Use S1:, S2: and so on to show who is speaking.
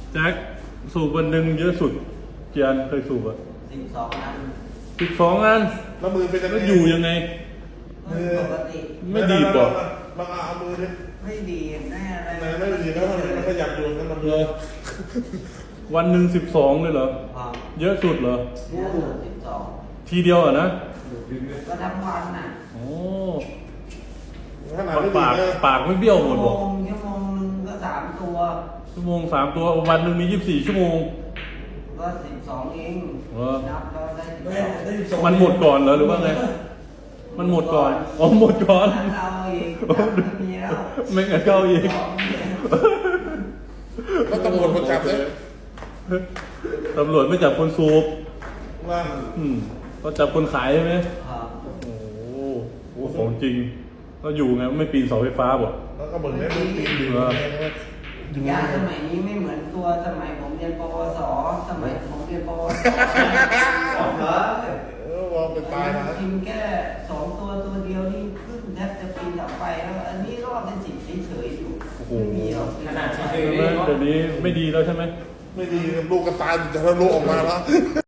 S1: แจ็คสูบวันหนึ่งเยอะสุดเกียนเคยสูบอ่ะ
S2: 12 อัน
S1: 12 อัน
S3: แล้วมือเป็นยังไง
S1: แล้วอยู่ยังไง
S2: ปกติ
S1: ไม่ดีป่ะ
S3: ลองเอามือดิ
S2: ไม่ดีแน่อะไร
S3: ไม่ดีแล้วมันขยับอยู่นั่นมัน
S1: เหรอวันหนึ่ง12เลยเหรอ
S2: พอ
S1: เยอะสุดเหรอ
S2: เยอะสุด12
S1: ทีเดียวอ่ะนะ
S2: ก็ทั้งวันน่ะ
S1: โอ้
S3: ขนาดไม่ดี
S1: ปาก
S3: นะ
S1: ปากไม่เบี้ยวหม
S2: ชั่
S1: ด
S2: ว
S1: บอก
S2: โมงนึงก็3 ตัว
S1: ชั่วโมง3 ตัววันหนึ่งมี24 ชั่วโมง
S2: ก็12เอง
S1: เหรอ
S2: นับแล้วได้12
S1: มันหมดก่อนเหรอหรือว่าไงมันหมดก่อนอ๋อหมดก่อน
S2: เอาอีกนับไม่มีแล้ว
S1: ไม่งั้นเข้าอีก
S3: แล้วตำรวจมาจับเลย
S1: ตำรวจไม่จับคนสูบ
S3: ว่า
S1: ก็จับคนขายใช่ไหม
S2: ครับ
S1: โอ้โหของจริงก็อยู่ไงไม่ปีนเสาไฟฟ้าบ่
S3: แล้วก็เหมือนแม่ดูตีนอยู่
S2: ยาสมัยนี้ไม่เหมือนตัวสมัยผมเรียนปวสสมัยผมเรียนปวสเหรอ
S3: วางเป็นตายนะ
S2: กินแค่2 ตัวเดียวนี่ขึ้นแทบจะปีนออกไปแล้ว อันนี้รอดเป็น10เฉยๆอยู่ไม่มีหรอก
S4: ขนาดที่
S1: ใช่ไหมเดี๋ยวนี้ไม่ดีแล้วใช่ไหม
S3: ไม่ดีลูกกระตายจะทะลุออกมาแล้ว